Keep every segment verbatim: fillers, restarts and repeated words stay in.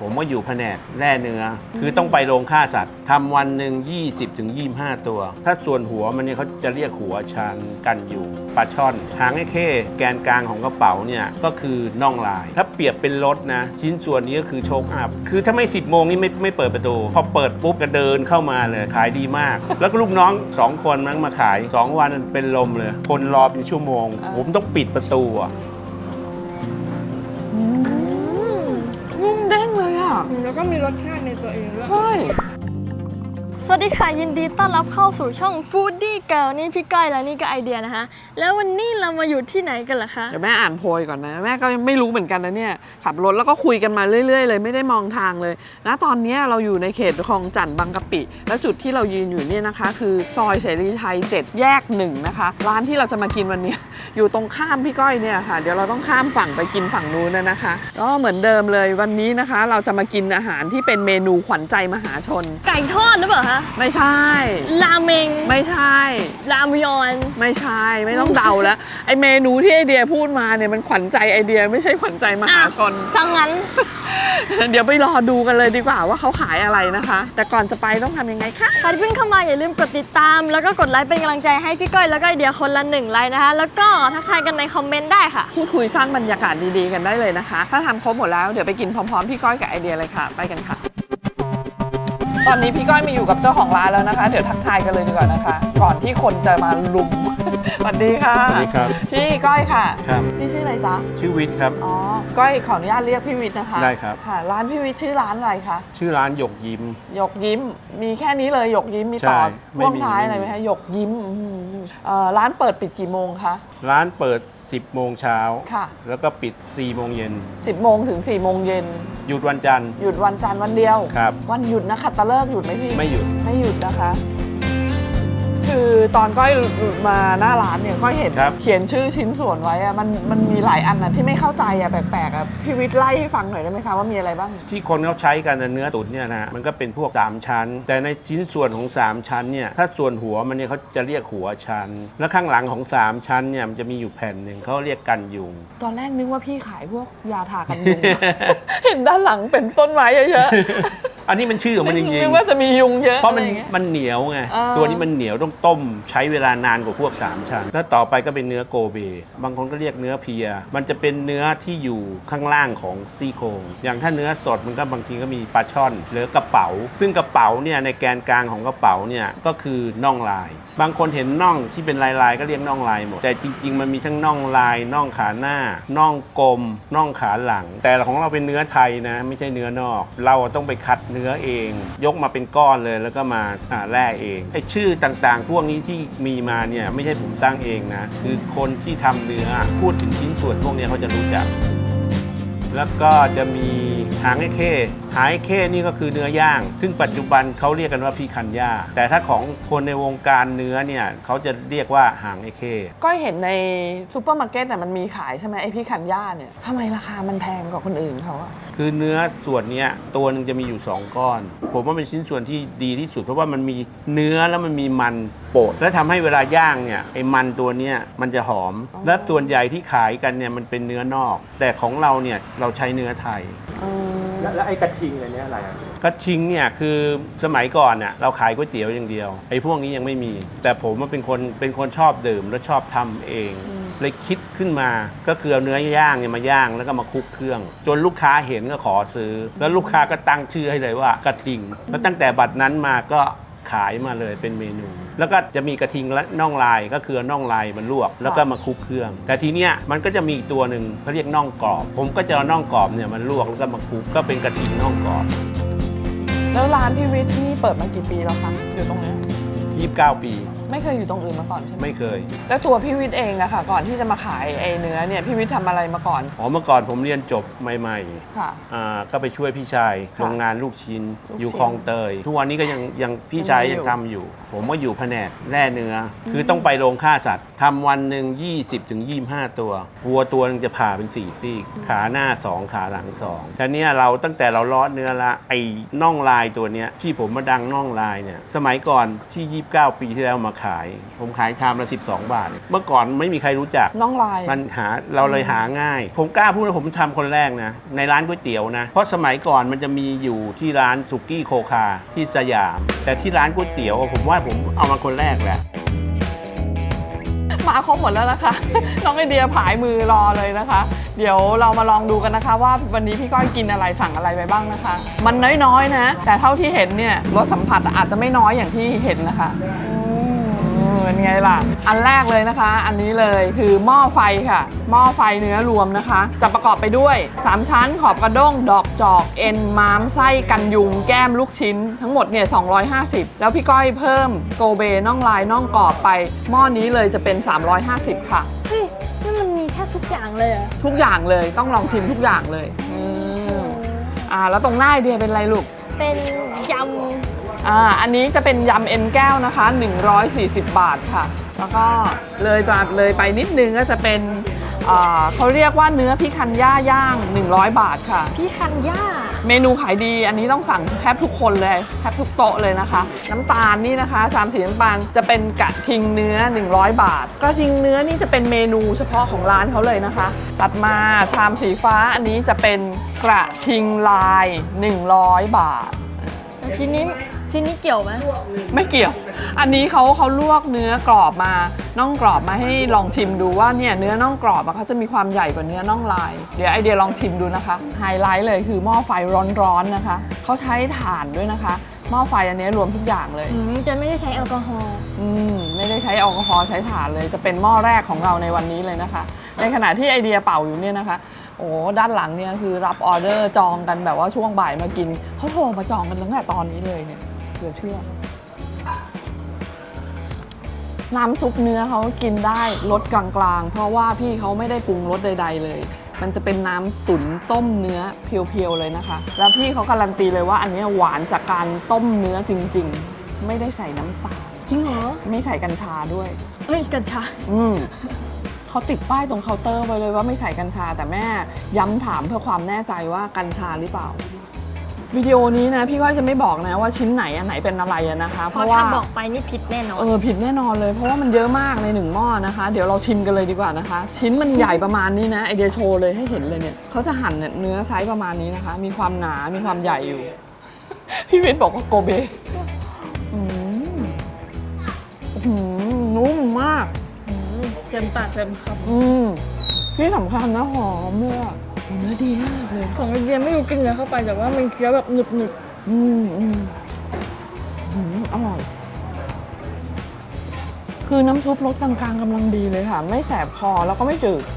ผมก็อยู่แผนกแร่เนื้อคือต้องไปโรงฆ่าสัตว์ทำวันหนึ่ง ยี่สิบถึงยี่สิบห้า ตัวถ้าส่วนหัวมันเนี่ยเขาจะเรียกหัวชานกันอยู่ปลาช่อนหางไอ้เข้แกนกลางของกระเป๋าเนี่ยก็คือน่องลายถ้าเปรียบเป็นรถนะชิ้นส่วนนี้ก็คือโชคอัพคือถ้าไม่สิบโมงนี่ไม่ไม่เปิดประตูพอเปิดปุ๊บก็เดินเข้ามาเลยขายดีมาก แล้วก็ลูกน้องสองคนมั้งมาขายสองวันเป็นลมเลยคนรอเป็นชั่วโมงผมต้องปิดประตูอ่ะนุ่มเด้งเลยอ่ะแล้วก็มีรสชาติในตัวเองด้วยใช่สวัสดีค่ะยินดีต้อนรับเข้าสู่ช่อง Foodie Girl นี่พี่ก้อยและนี่ก็ไอเดียนะคะแล้ววันนี้เรามาอยู่ที่ไหนกันล่ะคะเดี๋ยวแม่อ่านโพยก่อนนะแม่ก็ไม่รู้เหมือนกันนะเนี่ยขับรถแล้วก็คุยกันมาเรื่อยๆเลยไม่ได้มองทางเลยนะตอนนี้เราอยู่ในเขตคลองจันทน์บางกะปิแล้วจุดที่เรายืนอยู่เนี่ยนะคะคือซอยเสรีไทยเจ็ดแยกหนึ่งนะคะร้านที่เราจะมากินวันนี้ อยู่ตรงข้ามพี่ก้อยเนี่ยค่ะเดี๋ยวเราต้องข้ามฝั่งไปกินฝั่งนู้นนะคะก็เหมือนเดิมเลยวันนี้นะคะเราจะมากินอาหารที่เป็นเมนูขวัญใจมหาชนไก่ทอดหรือเปล่าคะไม่ใช่ราเมงไม่ใช่รามยอนไม่ใช่ไม่ต้องเดาแล้วไอเมนูที่ไอเดียพูดมาเนี่ยมันขวัญใจไอเดียไม่ใช่ขวัญใจมหาชนสังงั้นเดี๋ยวไปรอดูกันเลยดีกว่าว่าเขาขายอะไรนะคะแต่ก่อนจะไปต้องทำยังไงคะใครที่เพิ่งเข้ามาอย่าลืมกดติดตามแล้วก็กดไลค์เป็นกำลังใจให้พี่ก้อยแล้วก็ไอเดียคนละหนึ่งไลค์นะคะแล้วก็ทักทายกันในคอมเมนต์ได้ค่ะพูดคุยสร้างบรรยากาศดีๆกันได้เลยนะคะถ้าทำครบหมดแล้วเดี๋ยวไปกินพร้อมๆพี่ก้อยกับไอเดียเลยค่ะไปกันค่ะตอนนี้พี่ก้อยมาอยู่กับเจ้าของร้านแล้วนะคะเดี๋ยวทักทายกันเลยดีกว่านะคะก่อนที่คนจะมาลุม สวัสดีค่ะสวัสดีครับพี่ก้อยค่ะครับพี่ชื่ออะไรจ๊ะชื่อวิทย์ครับอ๋อก้อยขออนุญาตเรียกพี่วิทย์นะคะได้ครับค่ะร้านพี่วิทย์ชื่อร้านอะไรคะชื่อร้านหยกยิ้มหยกยิ้มมีแค่นี้เลยหยกยิ้มมีต่อพ่วงท้ายอะไรไหมคะหยกยิ้มร้านเปิดปิดกี่โมงคะร้านเปิดสิบโมงเช้าค่ะแล้วก็ปิดสี่โมงเย็นสิบโมงถึงสี่โมงเย็นหยุดวันจันทร์หยุดวันจันทร์วันเดียวครับวันหยุดนะขัตฤกษ์หยุดไหมพี่ไม่หยุดไม่หยุดนะคะคือตอนก้อยมาหน้าร้านเนี่ยก้อยเห็นเขียนชื่อชิ้นส่วนไว้อะมันมันมีหลายอันนะที่ไม่เข้าใจอะแปลกๆอะพี่วิทย์ไล่ให้ฟังหน่อยได้ไหมคะว่ามีอะไรบ้างที่คนเขาใช้กันเนื้อตุ๋นเนี่ยนะมันก็เป็นพวกสามชั้นแต่ในชิ้นส่วนของสามชั้นเนี่ยถ้าส่วนหัวมันเนี่ยเขาจะเรียกหัวชั้นแล้วข้างหลังของสามชั้นเนี่ยมันจะมีอยู่แผ่นหนึ่งเขาเรียกกันยุงตอนแรกนึกว่าพี่ขายพวกยาทากันยุง เห็นด้านหลังเป็นต้นไม้เยอะๆ อันนี้มันชื่อของมันจริงๆนึกว่าจะมียุงเยอะเพราะมันมันเหนียวไงตัวนี้มันเหนียวต้องต้มใช้เวลานานกว่าพวกสามชั้นแล้วต่อไปก็เป็นเนื้อโกเบบางคนก็เรียกเนื้อเพียมันจะเป็นเนื้อที่อยู่ข้างล่างของซี่โครงอย่างถ้าเนื้อสดมันก็บางทีก็มีปลาช่อนหรือกระเป๋าซึ่งกระเป๋าเนี่ยในแกนกลางของกระเป๋าเนี่ยก็คือน่องลายบางคนเห็นน่องที่เป็นลายๆก็เรียกน่องลายหมดแต่จริงๆมันมีทั้งน่องลายน่องขาหน้าน่องกลมน่องขาหลังแต่ของเราเป็นเนื้อไทยนะไม่ใช่เนื้อนอกเราต้องไปคัดเนื้อเองยกมาเป็นก้อนเลยแล้วก็มาแล่เองไอ้ชื่อต่างๆพวกนี้ที่มีมาเนี่ยไม่ใช่ผมตั้งเองนะคือคนที่ทำเนื้อพูดถึงชิ้นส่วนพวกนี้เขาจะรู้จักแล้วก็จะมีหางไอ้เข้หางไอ้เข้นี่ก็คือเนื้อย่างซึ่งปัจจุบันเขาเรียกกันว่าพีคันย่าแต่ถ้าของคนในวงการเนื้อเนี่ยเขาจะเรียกว่าหางไอ้เข้ก็เห็นในซูเปอร์มาร์เก็ตน่ะมันมีขายใช่ไหมไอ้พีคันย่าเนี่ยทำไมราคามันแพงกว่าคนอื่นเขาอะคือเนื้อส่วนนี้ตัวหนึ่งจะมีอยู่สองก้อนผมว่าเป็นชิ้นส่วนที่ดีที่สุดเพราะว่ามันมีเนื้อแล้วมันมีมันโปะและทำให้เวลาย่างเนี่ยไอ้มันตัวนี้มันจะหอมและส่วนใหญ่ที่ขายกันเนี่ยมันเป็นเนื้อนอกแต่ของเราเนี่ยเราใช้เนื้อไทยแล้วไอ้กระทิงอะไรเนี่ยอะไรอ่ะกระทิงเนี่ยคือสมัยก่อนเนี่ยเราขายก๋วยเตี๋ยวอย่างเดียวไอ้พวกนี้ยังไม่มีแต่ผมเป็นคนเป็นคนชอบดื่มและชอบทำเองเลยคิดขึ้นมาก็คือเอาเนื้อย่างเนี่ยมาย่างแล้วก็มาคลุกเครื่องจนลูกค้าเห็นก็ขอซื้อแล้วลูกค้าก็ตั้งชื่อให้เลยว่ากระทิงแล้วตั้งแต่บัดนั้นมาก็ขายมาเลยเป็นเมนูแล้วก็จะมีกระทิงและน่องลายก็คือน่องลายมันลวกแล้วก็มาคลุกเครื่องแต่ทีเนี้ยมันก็จะมีอีกตัวหนึ่งเขาเรียกน่องกรอบผมก็จะเอาน่องกรอบเนี่ยมันลวกแล้วก็มาคลุกก็เป็นกระทิงน่องกรอบแล้วร้านพี่วิทย์นี่เปิดมากี่ปีแล้วคะอยู่ตรงนี้ยี่สิบเก้าปีไม่เคยอยู่ตรงอื่นมาก่อนใช่ไหมไม่เคยแล้วตัวพี่วิทย์เองอะค่ะก่อนที่จะมาขายไอ้เนื้อเนี่ยพี่วิทย์ทำอะไรมาก่อนอ๋อเมื่อก่อนผมเรียนจบใหม่ๆค่ะอ่าก็ไปช่วยพี่ชายโรงงานลูกชิ้นอยู่คลองเตยทุกวันนี้ก็ยังยังพี่ชายยังทำอยู่ผมก็อยู่แผนกแร่เนื้อคือต้องไปโรงฆ่าสัตว์ทำวันหนึ่ง ยี่สิบถึงยี่สิบห้า ตัววัวตัวนึงจะผ่าเป็นสี่ซี่ขาหน้าสองขาหลังสองแต่เนี้ยเราตั้งแต่เราเลาะเนื้อละไอ้น่องลายตัวเนี้ยที่ผมมาดังน่องลายเนี่ยสมัยก่อนที่ยี่สิบเก้าปีที่แล้วมาขาย ผมขายชามละสิบสองบาท เมื่อก่อนไม่มีใครรู้จักน้องลายมันหาเราเลยหาง่าย ผมกล้าพูดว่าผมทำคนแรกนะในร้านก๋วยเตี๋ยวนะเพราะสมัยก่อนมันจะมีอยู่ที่ร้านสุกี้โคคาที่สยาม แต่ที่ร้านก๋วยเตี๋ยวผมว่าผมเอามาคนแรกแหละมาครบหมดแล้วนะคะ น้องไอเดียผายมือรอเลยนะคะ เดี๋ยวเรามาลองดูกันนะคะว่าวันนี้พี่ก้อยกินอะไรสั่งอะไรไปบ้างนะคะ มันน้อยๆนะแต่เท่าที่เห็นเนี่ยรสสัมผัสอาจจะไม่น้อยอย่างที่เห็นนะคะเป็นไงล่ะอันแรกเลยนะคะ อันนี้เลยคือหม้อไฟค่ะหม้อไฟเนื้อรวมนะคะ จะประกอบไปด้วยสามชั้นขอบกระด้งดอกจอกเอ็นม้ามไส้กันยุงแก้มลูกชิ้นทั้งหมดเนี่ยสองร้อยห้าสิบแล้วพี่ก้อยเพิ่มโกเบน่องลายน่องกรอบไปหม้อนี้เลยจะเป็นสามร้อยห้าสิบค่ะเฮ้ยนี่มันมีแค่ทุกอย่างเลยเหรอทุกอย่างเลยต้องลองชิมทุกอย่างเลยอืมอ่าแล้วตรงหน้าไอเดียเป็นอะไรลูกเป็นยำอ่าอันนี้จะเป็นยำเอ็นแก้วนะคะหนึ่งร้อยสี่สิบบาทค่ะแล้วก็เลยจากเลยไปนิดนึงก็จะเป็นอ่าเขาเรียกว่าเนื้อพิคันย่าย่างหนึ่งร้อยบาทค่ะพี่คันย่าเมนูขายดีอันนี้ต้องสั่งแทบทุกคนเลยแทบทุกโต๊ะเลยนะคะน้ำตาลนี่นะคะสามสีน้ำตาลจะเป็นกระทิงเนื้อหนึ่งร้อยบาทกระทิงเนื้อนี่จะเป็นเมนูเฉพาะของร้านเขาเลยนะคะตัดมาชามสีฟ้าอันนี้จะเป็นกระทิงลายหนึ่งร้อยบาทชิ้นนี้ชิ้นนี้เกี่ยวไหมไม่เกี่ยว อันนี้เขาเขาลวกเนื้อกรอบมาน่องกรอบมาให้ลองชิมดูว่าเนี่ยเนื้อน่องกรอบเขาจะมีความใหญ่กว่าเนื้อน่องลายเดี๋ยวไอเดียลองชิมดูนะคะไฮไลท์เลยคือหม้อไฟร้อนๆนะคะเขาใช้ถ่านด้วยนะคะหม้อไฟอันนี้รวมทุกอย่างเลยอืมจะไม่ได้ใช้แอลกอฮอล์อืมไม่ได้ใช้แอลกอฮอล์ใช้ถ่านเลยจะเป็นหม้อแรกของเราในวันนี้เลยนะคะในขณะที่ไอเดียเป่าอยู่เนี่ยนะคะโอ้ด้านหลังเนี่ยคือรับออเดอร์จองกันแบบว่าช่วงบ่ายมากินเขาโทรมาจองกันตั้งแต่ตอนนี้เลยเนี่ยเหลือเชื่อน้ำซุปเนื้อเขากินได้รสกลางๆเพราะว่าพี่เขาไม่ได้ปรุงรสใดๆเลยมันจะเป็นน้ำตุ๋นต้มเนื้อเพียวๆเลยนะคะแล้วพี่เขาการันตีเลยว่าอันนี้หวานจากการต้มเนื้อจริงๆไม่ได้ใส่น้ำตาลจริงเหรอไม่ใส่กัญชาด้วยเอ้ยกัญชาอืมเขาติดป้ายตรงเคาน์เตอร์ไว้เลยว่าไม่ใส่กัญชาแต่แม่ย้ำถามเพื่อความแน่ใจว่ากัญชาหรือเปล่าวิดีโอนี้นะพี่ก้อยจะไม่บอกนะว่าชิ้นไหนอันไหนเป็นอะไรนะคะเพเพราะราะว่าถ้าบอกไปนี่ผิดแน่นอนเออผิดแน่นอนเลยเพราะว่ามันเยอะมากในหนึ่งหม้อนะคะ เดี๋ยวเราชิมกันเลยดีกว่านะคะ ชิ้นมันใหญ่ประมาณนี้นะไอเดียโชว์เลยให้เห็นเลยเนี่ยเขาจะหั่นเนื้อไซส์ประมาณนี้นะคะ มีความหนา มีความใหญ่อยู่ พี่วิทย์บอกว่าโกเบอืมอืมนุ่มมากอืมเต็มปากเต็มคอืมที่สำคัญนะหอมเลยอะเนื้อดีมากเลยำของไอเดียไม่รู้กินเนื้อเข้าไปแต่ว่ามันเคี้ยวแบบหนึบหนึบอืมอืมอืมอร่อย คือน้ำซุปรสกลางๆกำลังดีเลยค่ะ ไม่แสบคอแล้วก็ไม่จืด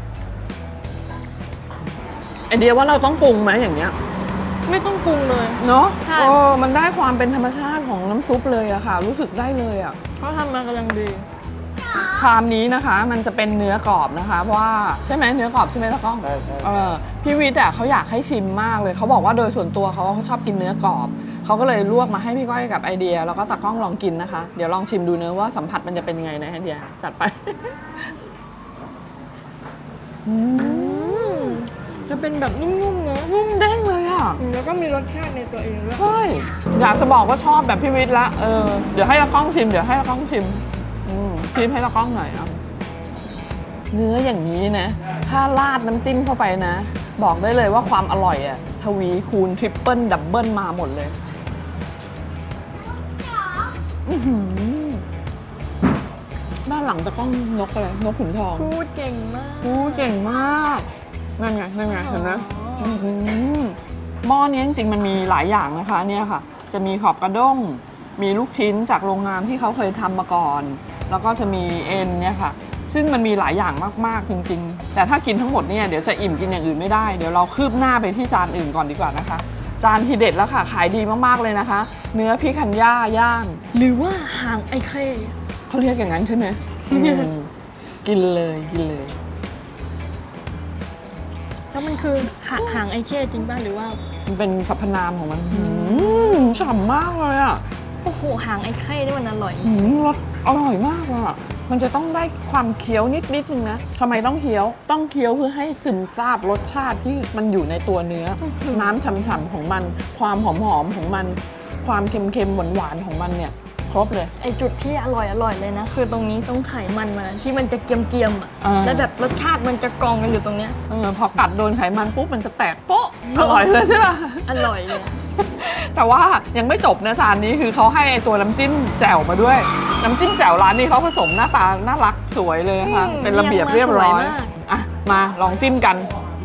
ไอเดียว่าเราต้องปรุงไหมอย่างเงี้ยไม่ต้องปรุงเลยเนาะใช่โอ้มันได้ความเป็นธรรมชาติของน้ำซุปเลยอะค่ะ รู้สึกได้เลยอะเขาทำมากำลังดีชามนี้นะคะมันจะเป็นเนื้อกรอบนะคะเพราะว่าใช่ไหมเนื้อกรอบใช่ไหมตะก้องใช่ใช่เออพี่วิทย์อ่ะเขาอยากให้ชิมมากเลยเขาบอกว่าโดยส่วนตัวเขาเขาชอบกินเนื้อกรอบเขาก็เลยลวกมาให้พี่ก้อยกับไอเดียแล้วก็ตะก้องลองกินนะคะเดี๋ยวลองชิมดูเนื้อะว่าสัมผัสมันจะเป็นยังไงนะไอเดียจัดไป อืมอืมจะเป็นแบบนุ่มๆเนอะนุ่มเด้งเลยอ่ะอืมแล้วก็มีรสชาติในตัวเองด้วยใช่อยากจะบอกว่าชอบแบบพี่วิทย์ละเออเดี๋ยวให้ตะก้องชิมเดี๋ยวให้ตะก้องชิมอืมชิมให้ตะก้องหน่อยอ่ะเนื้ออย่างนี้นะถ้าราดน้ำจิ้มเข้าไปนะ บอกได้เลยว่าความอร่อยอะทวีคูณทริปเปิลดับเบิลมาหมดเลยอื้อหือด้านหลังตะก้องนกอะไรนกขุนทองพูดเก่งมากโอ้เก่งมากนั่นไงนั่นไงเห็นไหมอ๋ออื้อหือหม้อนี้จริงๆมันมีหลายอย่างนะคะเนี่ยค่ะ จะมีขอบกระด้งมีลูกชิ้นจากโรงงานที่เขาเคยทำมาก่อน แล้วก็จะมีเอ็นเนี่ยค่ะซึ่งมันมีหลายอย่างมากๆจริงๆแต่ถ้ากินทั้งหมดเนี่ยเดี๋ยวจะอิ่มกินอย่างอื่นไม่ได้เดี๋ยวเราคืบหน้าไปที่จานอื่นก่อนดีกว่านะคะจานทีเด็ดแล้วค่ะขายดีมากๆเลยนะคะ เนื้อพิคันย่าย่างหรือว่าหางไอเคเขาเรียกอย่างนั้นใช่ไหมอืมกินเลยกินเลยแล้วมันคือขาหางไอเคจริงป่ะหรือว่ามันเป็นสรรพนามของมันอืมฉ่ำมากเลยอ่ะโอ้โหหางไอเคนี่มันอร่อยอืมรสอร่อยมากอ่ะมันจะต้องได้ความเคี้ยวนิดนิดนึงนะทำไมต้องเคี้ยวต้องเคี้ยวเพื่อให้ซึมซาบรสชาติที่มันอยู่ในตัวเนื้อ น้ำฉ่ำๆของมัน ความหอมๆของมัน ความเค็มๆหวานๆของมันเนี่ยครบเลยไอจุดที่อร่อยอร่อยเลยนะคือตรงนี้ตรงไขมันมันที่มันจะเกรียมๆอ่ะอ่าแล้วแบบรสชาติมันจะกองกันอยู่ตรงเนี้ยเออพอกัดโดนไขมันปุ๊บมันจะแตกโป๊ะอร่อยเลยใช่ป่ะอร่อยเลยแต่ว่ายังไม่จบนะจานนี้คือเขาให้ไอตัวน้ำจิ้มแจ่วมาด้วย น้ำจิ้มแจ่วร้านนี้เขาผสมหน้าตาน่ารักสวยเลยค่ะอืมเป็นระเบียบเรียบร้อยเรียงมาสวยมากอ่ะมาลองจิ้มกัน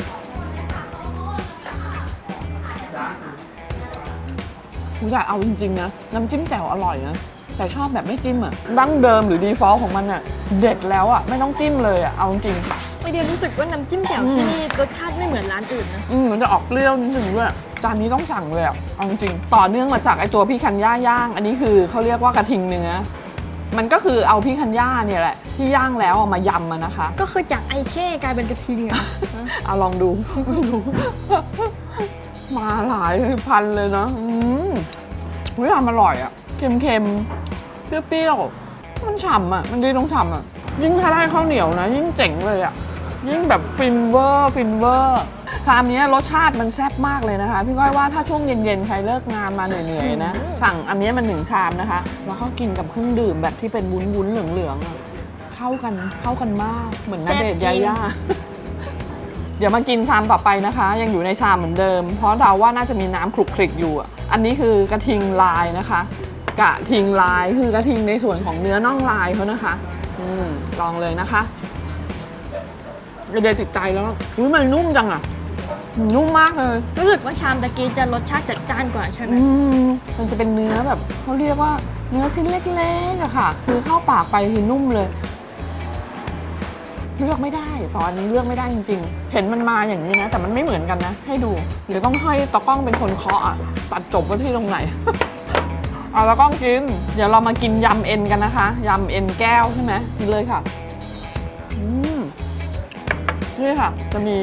คุณอยากเอาจริงๆนะน้ำจิ้มแจ่วอร่อยนะแต่ชอบแบบไม่จิ้มอ่ะดั้งเดิมหรือดีฟอลต์ของมันอ่ะเด็ดแล้วอ่ะไม่ต้องจิ้มเลยอ่ะเอาจริงไอเดียรู้สึกว่าน้ำจิ้มแจ่วที่นี่รสชาติไม่เหมือนร้านอื่นนะอืมมันจะออกเปรี้ยวนิดนึงด้วยจานนี้ต้องสั่งเลยอ่ะเอาจริงๆต่อเนื่องมาจากไอตัวพี่คันย่าย่าง อันนี้คือเขาเรียกว่ากระทิงเนื้อมันก็คือเอาพี่คันย่าเนี่ยแหละที่ย่างแล้วเอามายำมานะคะก็คือจากไอเช่กลายเป็นกระทิงอะเอาลองดู ไม่รู้ มาหลายพันเลยเนาะอืมเฮ้ยอร่อยอ่ะเค็มๆเปรี้ยวๆมันฉ่ำอ่ะมันดีตรงฉ่ำอ่ะยิ่งถ้าได้ข้าวเหนียวนะยิ่งเจ๋งเลยอ่ะยิ่งแบบฟินเวอร์ฟินเวอร์ชามนี้รสชาติมันแซ่บมากเลยนะคะพี่ก้อยว่าถ้าช่วงเย็นๆใครเลิกงานมาเหนื่อยๆนะสั่งอันนี้มันหนึ่งชามนะคะแล้วก็กินกับเครื่องดื่มแบบที่เป็นวุ้นๆเหลืองๆอะเข้ากันเข้ากันมากเหมือนณเดชน์ยาย่า เดี๋ยวมากินชามต่อไปนะคะ ยังอยู่ในชามเหมือนเดิม เพราะเดาว่าน่าจะมีน้ำคลุกคลิกอยู่อะอันนี้คือกระทิงลายนะคะกระทิงลายคือกระทิงในส่วนของเนื้อน่องลายเขานะคะอืมลองเลยนะคะเดี๋ยวติดใจแล้วอุ้ยมันนุ่มจังอะนุ่มมากเลยรู้สึกว่าชามตะกี้จะรสชาติจัดจ้านกว่าใช่ไหมอืมมันจะเป็นเนื้อแบบเขาเรียกว่าเนื้อชิ้นเล็กๆอะค่ะ คือเข้าปากไปคือนุ่มเลยเลือกไม่ได้ซอสนี้เลือกไม่ได้จริงๆ เห็นมันมาอย่างนี้นะแต่มันไม่เหมือนกันนะให้ดูเดี๋ยวต้องให้ตะกล้องเป็นคนเคาะอะตัดจบว่าที่ตรงไหน เอาตะกล้องกินเดี๋ยวเรามากินยำเอ็นกันนะคะยำเอ็นแก้วใช่ไหมกินเลยค่ะอืมนี่ค่ะจะมี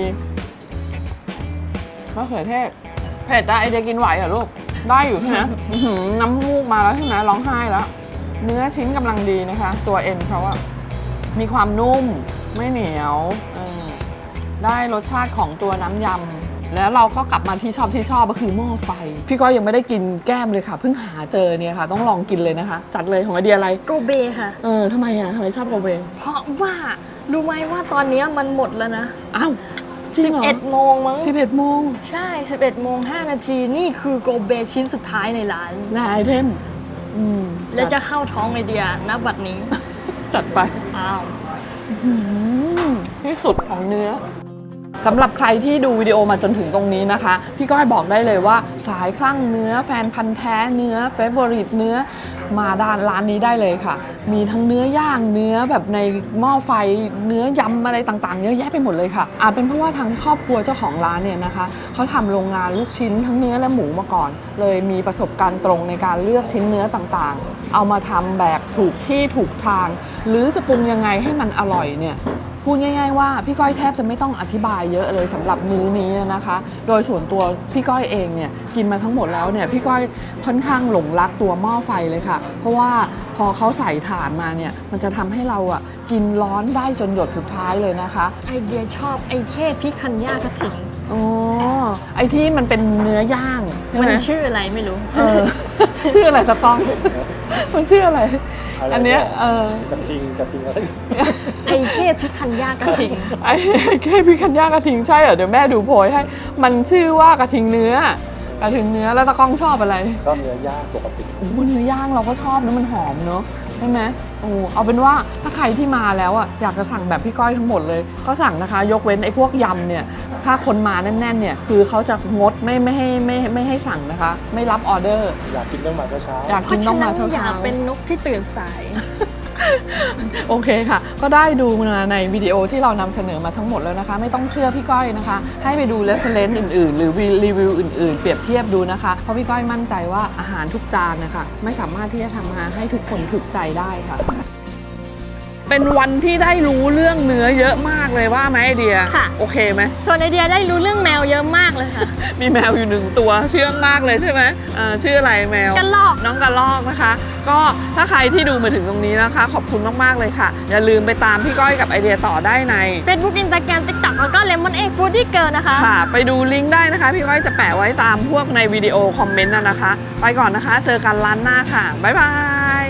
มะเขือเทศเผ็ดได้ไอเดียกินไหวเหรอลูกได้อยู่ใช่ไหม อื้อหือน้ำมูกมาแล้วใช่ไหมร้องไห้แล้วเนื้อชิ้นกำลังดีนะคะ ตัวเอ็นเขาอะมีความนุ่มไม่เหนียวเออได้รสชาติของตัวน้ำยำแล้วเราก็กลับมาที่ชอบที่ชอบก็คือหม้อไฟพี่ก้อยยังไม่ได้กินแก้มเลยค่ะเพิ่งหาเจอเนี่ยค่ะต้องลองกินเลยนะคะจัดเลยของไอเดียอะไรโกเบค่ะเออทำไมอะทำไมชอบโกเบเพราะว่ารู้ไหมว่าตอนนี้มันหมดแล้วนะอ้าวจริงเหรอสิบเอ็ดโมงมั้งสิบเอ็ดโมงใช่ สิบเอ็ดโมงห้านาทีนี่คือโกเบชิ้นสุดท้ายในร้านและไอเทมอืมแล้วจะเข้าท้องไอเดียณบัดนี้จัดไปอ้าวอืมที่สุดของเนื้อสำหรับใครที่ดูวิดีโอมาจนถึงตรงนี้นะคะ พี่ก้อยบอกได้เลยว่าสายคลั่งเนื้อแฟนพันธ์แท้เนื้อเฟเวอริตเนื้อมาด้านร้านนี้ได้เลยค่ะ มีทั้งเนื้อย่างเนื้อแบบในหม้อไฟเนื้อยำอะไรต่างๆเยอะแยะไปหมดเลยค่ะอาจเป็นเพราะว่าทั้งครอบครัวเจ้าของร้านเนี่ยนะคะเขาทำโรงงานลูกชิ้นทั้งเนื้อและหมูมาก่อน เลยมีประสบการณ์ตรงในการเลือกชิ้นเนื้อต่างๆ เอามาทำแบบถูกที่ถูกทาง หรือจะปรุงยังไงให้มันอร่อยเนี่ยพูดง่ายๆว่าพี่ก้อยแทบจะไม่ต้องอธิบายเยอะเลยสำหรับมื้อนี้นะคะ โดยส่วนตัวพี่ก้อยเองเนี่ยกินมาทั้งหมดแล้วเนี่ยพี่ก้อยค่อนข้างหลงรักตัวหม้อไฟเลยค่ะ เพราะว่าพอเขาใส่ถ่านมาเนี่ยมันจะทำให้เราอ่ะกินร้อนได้จนหยดสุดท้ายเลยนะคะไอเดียชอบไอเช่พริกคันย่ากระถิ่นอ๋อไอที่มันเป็นเนื้อย่างใช่ไหมัมนชื่ออะไรไม่รู้เออ ชื่ออะไรจะต้อง มันชื่ออะไร อันเนี้ยเออกระทิงกระทิงอะไรไอเช่พริกคันย่ากระถิ่นไอ้แค่พี่คันย่ากระทิงใช่เหรอเดี๋ยวแม่ดูโพยให้ มันชื่อว่ากระทิงเนื้อกระทิงเนื้อแล้วตะก้องชอบอะไรก็เนื้อย่างปกติโอ้เนื้อย่างเราก็ชอบนะมันหอมเนอะใช่ไหมโอ้เอาเป็นว่าถ้าใครที่มาแล้วอ่ะอยากจะสั่งแบบพี่ก้อยทั้งหมดเลยก็สั่งนะคะ ยกเว้นไอ้พวกยำเนี่ยถ้าคนมาแน่นๆเนี่ยคือเขาจะงดไม่ไม่ให้ไม่ไม่ให้สั่งนะคะ ไม่รับออเดอร์อยากกินต้องมาเช้าอยากเพกินราะต้ฉะองนั้มาน เช้าอย่าๆเป็นนกที่ตื่นสายโอเคค่ะ ก็ได้ดูมาในวิดีโอที่เรานำเสนอมาทั้งหมดแล้วนะคะ ไม่ต้องเชื่อพี่ก้อยนะคะ ให้ไปดู reference อื่นๆ หรือรีวิวอื่นๆ เปรียบเทียบดูนะคะ เพราะพี่ก้อยมั่นใจว่าอาหารทุกจานนะคะไม่สามารถที่จะทำมาให้ทุกคนถูกใจได้ค่ะ เป็นวันที่ได้รู้เรื่องเนื้อเยอะมากเลยว่าไหมไอเดียค่ะโอเคไหมส่วนไอเดียได้รู้เรื่องแมวเยอะมากเลยค่ะมีแมวอยู่หนึ่งตัวเชื่องมากเลยใช่ไหมเอ่อชื่ออะไรแมวกระรอกน้องกระรอกนะคะ ก็ถ้าใครที่ดูมาถึงตรงนี้นะคะ ขอบคุณมากๆเลยค่ะ อย่าลืมไปตามพี่ก้อยกับไอเดียต่อได้ใน Facebook Instagram TikTok แล้วก็ Lemon Egg Foodie Girl นะคะค่ะ ไปดูลิงก์ได้นะคะ พี่ก้อยจะแปะไว้ตามพวกในวิดีโอคอมเมนต์นะนะคะ ไปก่อนนะคะ เจอกันร้านหน้าค่ะ บ๊ายบาย